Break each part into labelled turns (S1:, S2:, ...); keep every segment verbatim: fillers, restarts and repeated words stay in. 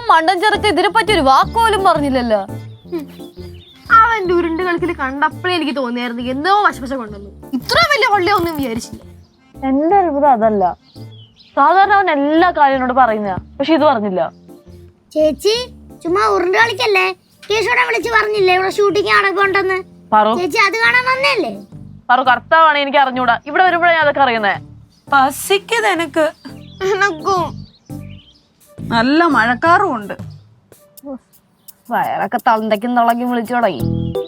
S1: മണ്ടൻ ചെറുക്ക് ഇതിനെ പറ്റി ഒരു വാക്കുപോലും പറഞ്ഞില്ലല്ലോ.
S2: അവന്റെ ഉരുണ്ട് കളിക്കൽ കണ്ടപ്പോഴേ എനിക്ക് തോന്നിയായിരുന്നു എന്തോ വശവശ കൊണ്ടുവന്നു. ഇത്ര വലിയ കൊള്ളയൊന്നും വിചാരിച്ചില്ല.
S1: എന്റെ അത്ഭുതം അതല്ല, സാധാരണ അവൻ എല്ലാ കാര്യങ്ങളോട് പറയുന്ന, പക്ഷെ ഇത് പറഞ്ഞില്ല.
S3: ചേച്ചി ചുമ്മാ ഉരുണ്ട് കളിക്കല്ലേ, കേശോടെ വിളിച്ച് പറഞ്ഞില്ലേ ഇവിടെ ഷൂട്ടിങ് നടക്കുന്നുണ്ടെന്ന്. ചേച്ചി അത് കാണാൻ വന്നല്ലേ?
S1: പറു കർത്താവാണ്, എനിക്ക് അറിഞ്ഞൂടാ. ഇവിടെ വരുമ്പോഴാണ് അതൊക്കെ അറിയുന്നേ.
S4: പസിക്കത് എനക്ക്
S2: എനക്കും
S4: നല്ല മഴക്കാറും ഉണ്ട്.
S1: വയറൊക്കെ തന്തയ്ക്കും തളക്കി വിളിച്ചു തുടങ്ങി.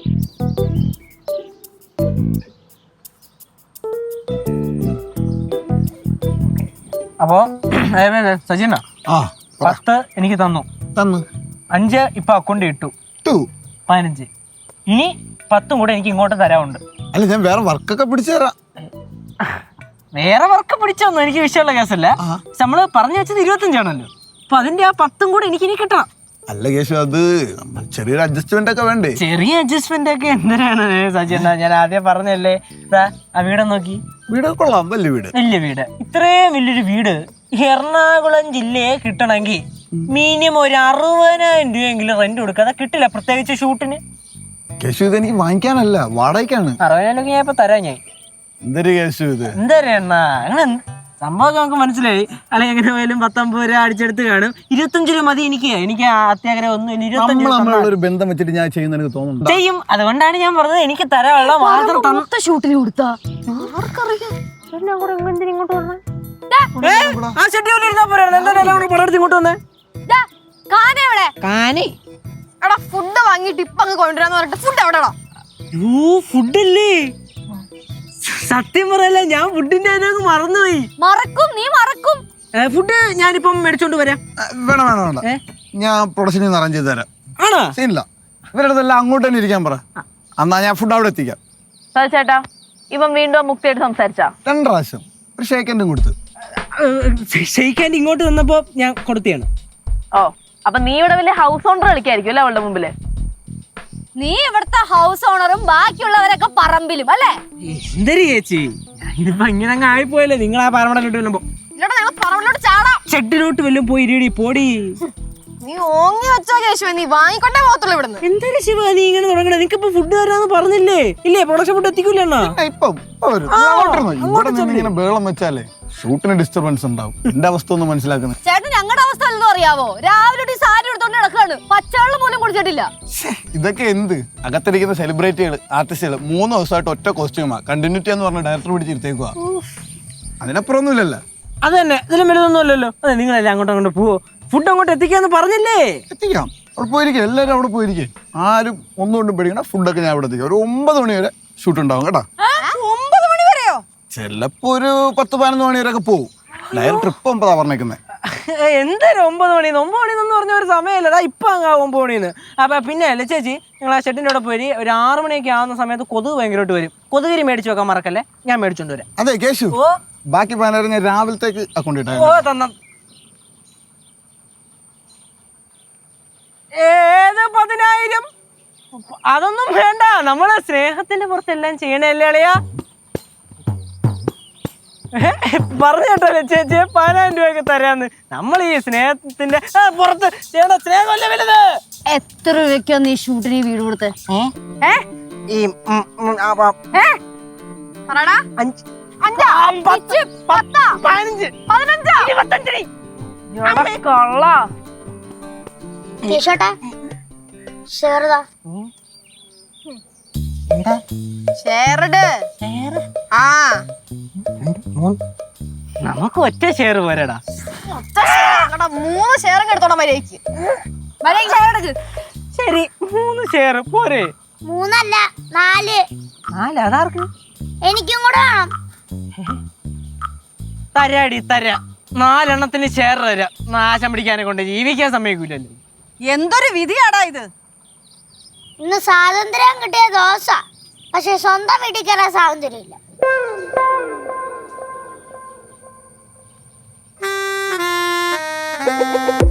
S5: അപ്പോ സജിന പത്ത് എനിക്ക് തന്നു
S6: തന്നു
S5: അഞ്ച് ഇപ്പൊ അക്കൗണ്ട് ഇട്ടു പതിനഞ്ച്. ഇനി പത്തും കൂടെ എനിക്ക് ഇങ്ങോട്ട് തരാറുണ്ട്.
S6: അല്ല ഞാൻ വേറെ വർക്കൊക്കെ പിടിച്ചു തരാം.
S5: വേറെ വർക്ക് പിടിച്ചൊന്നും എനിക്ക് വിഷയമുള്ള കേസല്ല. നമ്മള് പറഞ്ഞു വെച്ചത് ഇരുപത്തഞ്ചാണല്ലോ, അപ്പൊ അതിന്റെ ആ പത്തും കൂടെ എനിക്ക് ഇനി കിട്ടണം.
S6: അല്ല കേശു, അത് ചെറിയൊരു അഡ്ജസ്റ്റ്മെന്റ് ഒക്കെ വേണ്ടേ?
S5: ചെറിയ അഡ്ജസ്റ്റ്മെന്റ് ഒക്കെ എന്തിനാണ് സജിന? ഞാൻ ആദ്യം പറഞ്ഞല്ലേ, ആ വീട് നോക്കി.
S6: വീട് കൊള്ളാം, വലിയ വീട്.
S5: വലിയ വീട്. ഇത്രയും വലിയൊരു വീട് എറണാകുളം ജില്ലയെ കിട്ടണമെങ്കിൽ മിനിമം ഒരു അറുപതിനായിരം രൂപയെങ്കിലും റെന്റ് കൊടുക്കാതെ കിട്ടില്ല, പ്രത്യേകിച്ച് ഷൂട്ടിന്.
S6: കേശു ഇത് എനിക്ക് വാങ്ങിക്കാനല്ല, വാടകയ്ക്കാണ്.
S5: അറുപതിനായിരം ഞാൻ ഇപ്പൊ തരാം. ഞാൻ
S6: എന്തൊരു കേശു ഇത്?
S5: എന്താ എണ്ണ അങ്ങനെ സംഭവം നമുക്ക് മനസ്സിലായി. അല്ലെങ്കിൽ എങ്ങനെ പോയാലും പത്തൊമ്പത് രൂപ അടിച്ചെടുത്ത് കാണും. ഇരുപത്തഞ്ച് രൂപ മതി എനിക്ക്. എനിക്ക് അത്യാഗ്രഹം ഒന്നും ഇരുപത്തഞ്ച്
S6: ഒരു ബന്ധം വെച്ചിട്ട് ഞാൻ ചെയ്യുന്ന എനിക്ക് തോന്നുന്നു
S5: ചെയ്യും. അതുകൊണ്ടാണ് ഞാൻ പറഞ്ഞത് എനിക്ക് തരാനുള്ള മാത്രം തന്ന
S1: ഷൂട്ടിന് കൊടുത്താ
S5: ഇങ്ങോട്ട് വന്നേ. ആ ഷെട്ടി ഇരുന്നാ പോരാ, എന്തായാലും പടർത്തി ഇങ്ങോട്ട് വന്നേ.
S2: എടാ ഫുഡ് വാങ്ങിട്ട് ഇപ്പൊ അങ്ങ് കൊണ്ടുവരാന്ന് പറഞ്ഞിട്ട് ഫുഡ് എവിടെടാ?
S5: ഫുഡല്ലേ? സത്യം പറയല്ല, ഞാൻ ഫുഡിന്റെ അതിനൊക്കെ മറന്നുപോയി.
S1: മറക്കും, നീ മറക്കും.
S5: ഫുഡ് ഞാനിപ്പം മേടിച്ചോണ്ട് വരാം.
S6: വേണം വേണം വേണ്ട, ഞാൻ പ്രൊഡക്ഷനിൽ നിന്ന് അറേഞ്ച് ചെയ്ത് തരാം.
S5: ആണോ?
S6: സീനില്ല, ഇവരുടെ അടുത്തെല്ലാം അങ്ങോട്ട് തന്നെ ഇരിക്കാൻ പറ. എന്നാ ഞാൻ ഫുഡ് അവിടെ എത്തിക്കാം.
S1: ചേട്ടാ ഇവൻ വീണ്ടും മുക്തിയായിട്ട് സംസാരിച്ചാ?
S6: രണ്ട് പ്രാവശ്യം ഒരു ഷേക്കൻഡും കൊടുത്ത്.
S5: ഷെയ്ക്കാൻഡ് ഇങ്ങോട്ട് വന്നപ്പോ ഞാൻ കൊടുത്തിയാണ്.
S1: ഓ, അപ്പൊ നീ ഇവിടെ വലിയ ഹൗസ് ഓണർ കളിക്കായിരിക്കും അല്ലേ അവളുടെ മുമ്പില്? നീ ഇവിടുത്തെ ഹൗസ് ഓണറും ബാക്കിയുള്ളവരൊക്കെ പറമ്പിലും അല്ലേ?
S5: എന്തൊരു ചേച്ചി, ഇതിപ്പോ ഇങ്ങനെ അങ്ങ് ആയിപ്പോയല്ലേ. നിങ്ങൾ ആ പറമ്പടലോട്ട് വല്ലുമ്പോ
S2: പറമ്പിലോട്ട് ചാടാം.
S5: ഷെഡിലോട്ട് വല്ലും പോയി ഇരിടി പോടി.
S2: നീ ഓങ്ങി വെച്ചോ കേശവ, നീ വാങ്ങിക്കൊണ്ടേ പോകത്തുള്ളൂ ഇവിടുന്ന്.
S5: എന്തൊരു ശിവ നീ ഇങ്ങനെ തുടങ്ങണേ? നിനക്കിപ്പോ ഫുഡ് തരാന്ന് പറഞ്ഞില്ലേ? ഇല്ലേ പ്രൊഡക്ഷൻ ഫുഡ് എത്തിക്കൂല?
S6: ഇപ്പം ഇവിടെ നിന്ന് ഇങ്ങനെ ബേളം വെച്ചാലേ ഷൂട്ടിന് ഡിസ്റ്റർബൻസ് ഉണ്ടാവും. എന്റെ അവസ്ഥ ഒന്ന് മനസ്സിലാക്കുന്നത്.
S1: ചേട്ടൻ ഞങ്ങളുടെ അവസ്ഥ അല്ലെന്ന് അറിയാവോ? രാവിലെ സാരി എടുത്തോണ്ട് നടക്കാണ്, പച്ചവെള്ളം പോലും കുടിച്ചിട്ടില്ല.
S6: ഇതൊക്കെ എന്ത്? അകത്തിരിക്കുന്ന സെലിബ്രിറ്റികൾ, ആർട്ടിസ്റ്റുകൾ മൂന്ന് ദിവസമായിട്ട് ഒറ്റ കോസ്റ്റ്യൂമാ. കണ്ടിന്യൂറ്റി എന്ന് പറഞ്ഞ ഡയറക്ടർ പിടിച്ചിരുത്തേക്കുക. അതിനപ്പുറം ഒന്നുമില്ലല്ലോ.
S5: അത് തന്നെ, ഇതിലും വലുതൊന്നും അല്ലല്ലോ. അതെ, നിങ്ങളല്ലേ അങ്ങോട്ട് അങ്ങോട്ട് പോവോ? ഫുഡ് അങ്ങോട്ട് എത്തിക്കാന്ന് പറഞ്ഞില്ലേ?
S6: എത്തിക്കാം, അവിടെ പോയിരിക്കും. എല്ലാവരും അവിടെ പോയിരിക്കും. ആരും ഒന്നുകൊണ്ടും പേടിക്കണം. ഫുഡൊക്കെ ഞാൻ അവിടെ എത്തിക്കാം. ഒരു ഒമ്പത് മണി വരെ ഷൂട്ട് ഉണ്ടാവും കേട്ടോ.
S2: ഒമ്പത് മണി വരെയോ?
S6: ചിലപ്പോ ഒരു പത്ത് പതിനൊന്ന് മണി വരെ ഒക്കെ പോവും. ഡയറക്ടർ ഇപ്പൊ ഒമ്പതാ പറഞ്ഞേക്കുന്നത്.
S5: എന്തായാലും ഒമ്പത് മണി ഒമ്പത് മണിന്ന് പറഞ്ഞ ഒരു സമയമല്ലടാ. ഇപ്പൊ അങ്ങ് ഒമ്പത് മണിന്ന്. അപ്പൊ പിന്നെ അല്ലേ ചേച്ചി, നിങ്ങൾ ആ ഷെഡിന്റെ അവിടെ പോയി ഒരു ആറു മണിയൊക്കെ ആവുന്ന സമയത്ത് കൊതുക് ഭയങ്കരമായിട്ട് വരും. കൊതുകരി മേടിച്ചു വെക്കാൻ മറക്കല്ലേ, ഞാൻ മേടിച്ചോണ്ട് വരാം.
S6: അതെ കേശു, ബാക്കി പതിനായിരം ഞാൻ രാവിലത്തേക്ക് അക്കൗണ്ട് ഇട്ടാ.
S5: ഓ തന്ന ഏത് പതിനായിരം? അതൊന്നും വേണ്ട, നമ്മള് സ്നേഹത്തിന്റെ പുറത്തെല്ലാം ചെയ്യണല്ലേ അളിയാ. പറഞ്ഞു കേട്ടല്ലേ ചേച്ചി, പതിനായിരം രൂപയൊക്കെ തരാന്ന്. നമ്മൾ ഈ സ്നേഹത്തിന്റെ പുറത്ത് ചെയ്യണ സ്നേഹമല്ല വലുത്.
S1: എത്ര രൂപയ്ക്കാ നീ ഷൂട്ടിന് വീട് കൊടുത്തേ?
S5: ഈ
S3: കേശോട്ടാ ഷെയർതാ.
S2: ആ
S5: നമുക്ക് ഒറ്റ ഷെയർ പോരാടാ.
S2: മൂന്ന് ഷെയറും എടുത്തോടാ മര്യാദക്ക്. മര്യാദക്ക് ഷെയർ എടുക്ക്.
S5: ശരി, മൂന്ന് ഷെയർ പോരെ?
S3: മൂന്നല്ല നാല്.
S5: നാല് അതാർക്ക്?
S3: എനിക്കും കൂടെ വേണം.
S5: തരാടി തരാം. നാലെണ്ണത്തിന് ഷെയർ തരാം. നാശം പിടിക്കാനെ കൊണ്ട് ജീവിക്കാൻ സമ്മതിക്കൂലല്ലോ.
S4: എന്തൊരു വിധിയാടാ ഇത്.
S3: ഇന്ന് സ്വാതന്ത്ര്യം കിട്ടിയ ദോശ, പക്ഷെ സ്വന്തം വീട്ടിൽ കയറാൻ സ്വാതന്ത്ര്യം ഇല്ല.